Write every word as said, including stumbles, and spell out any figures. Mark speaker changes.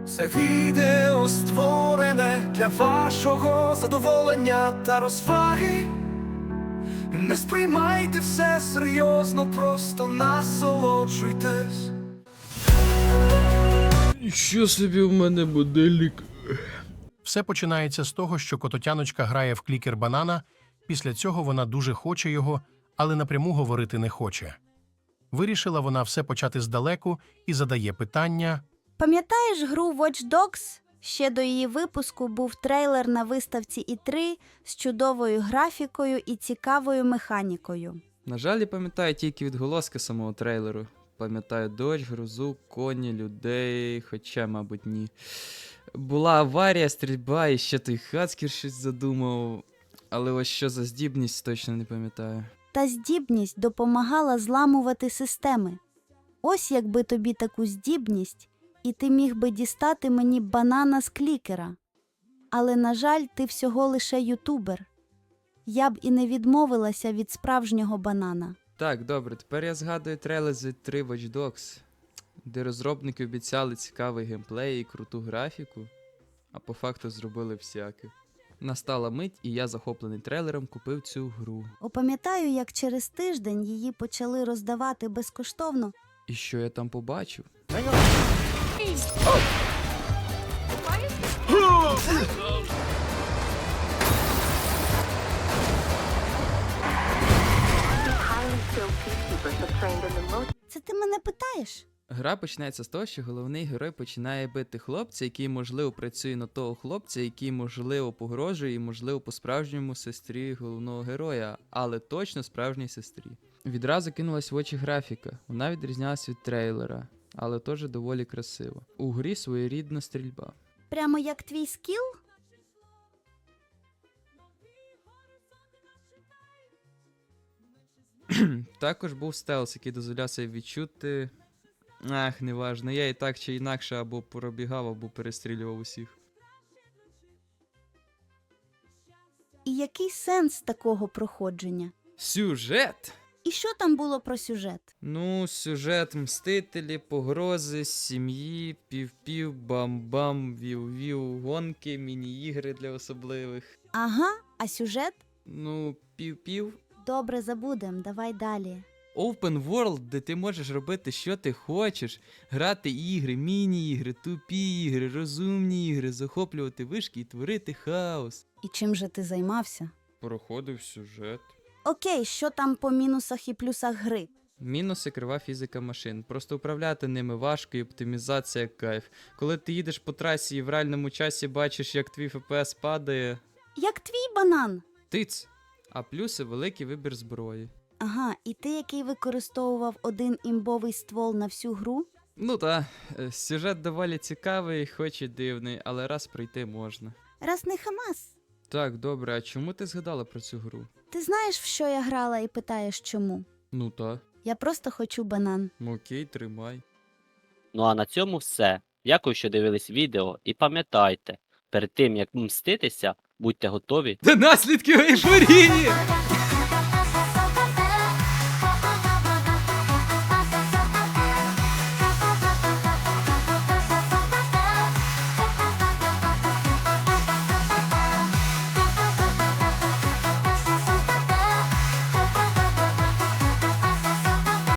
Speaker 1: Це відео створене для вашого задоволення та розваги. Не сприймайте все серйозно, просто насолоджуйтесь.
Speaker 2: Що собі в мене будильник?
Speaker 3: Все починається з того, що кототяночка грає в клікер банана, після цього вона дуже хоче його, але напряму говорити не хоче. Вирішила вона все почати здалеку і задає питання.
Speaker 4: Пам'ятаєш гру Watch Dogs? Ще до її випуску був трейлер на виставці і три з чудовою графікою і цікавою механікою.
Speaker 5: На жаль, я пам'ятаю тільки відголоски самого трейлеру. Пам'ятаю дощ, грозу, коні, людей, хоча, мабуть, ні. Була аварія, стрільба, і ще той Хацкер щось задумав. Але ось що за здібність, точно не пам'ятаю.
Speaker 4: Та здібність допомагала зламувати системи. Ось якби тобі таку здібність, і ти міг би дістати мені банана з клікера. Але, на жаль, ти всього лише ютубер. Я б і не відмовилася від справжнього банана.
Speaker 5: Так, добре, тепер я згадую трейлер з три Watch Dogs, де розробники обіцяли цікавий геймплей і круту графіку, а по факту зробили всяке. Настала мить, і я, захоплений трейлером, купив цю гру.
Speaker 4: Опам'ятаю, як через тиждень її почали роздавати безкоштовно.
Speaker 5: І що я там побачив?
Speaker 4: Це ти мене питаєш?
Speaker 5: Гра починається з того, що головний герой починає бити хлопця, який, можливо, працює на того хлопця, який, можливо, погрожує і, можливо, по-справжньому сестрі головного героя, але точно справжній сестрі. Відразу кинулась в очі графіка. Вона відрізнялась від трейлера, але теж доволі красиво. У грі своєрідна стрільба.
Speaker 4: Прямо як твій скіл?
Speaker 5: Також був стелс, який дозволяв себе відчути... Ах, неважно, я і так чи інакше або пробігав, або перестрілював усіх.
Speaker 4: І який сенс такого проходження?
Speaker 5: Сюжет?
Speaker 4: І що там було про сюжет?
Speaker 5: Ну, сюжет мстителі, погрози, сім'ї, пів-пів, бам-бам, вів-вів, гонки, міні-ігри для особливих.
Speaker 4: Ага, а сюжет?
Speaker 5: Ну, пів-пів.
Speaker 4: Добре, забудем, давай далі.
Speaker 5: Open World, де ти можеш робити, що ти хочеш, грати ігри, міні-ігри, тупі ігри, розумні ігри, захоплювати вишки і творити хаос.
Speaker 4: І чим же ти займався?
Speaker 5: Проходив сюжет.
Speaker 4: Окей, що там по мінусах і плюсах гри?
Speaker 5: Мінуси — крива фізика машин. Просто управляти ними важко і оптимізація кайф. Коли ти їдеш по трасі і в реальному часі бачиш, як твій еф пі ес падає,
Speaker 4: Як твій банан?
Speaker 5: тиць. А плюси — великий вибір зброї.
Speaker 4: Ага, і ти, який використовував один імбовий ствол на всю гру?
Speaker 5: Ну та, е, сюжет доволі цікавий, хоч і дивний, але раз пройти можна.
Speaker 4: Раз не хамас.
Speaker 5: Так, добре, а чому ти згадала про цю гру?
Speaker 4: Ти знаєш, в що я грала і питаєш чому?
Speaker 5: Ну та,
Speaker 4: Я просто хочу банан.
Speaker 5: окей, тримай.
Speaker 6: Ну а на цьому все. Дякую, що дивились відео, і пам'ятайте, перед тим як мститися, будьте готові
Speaker 5: До наслідків ейфорії!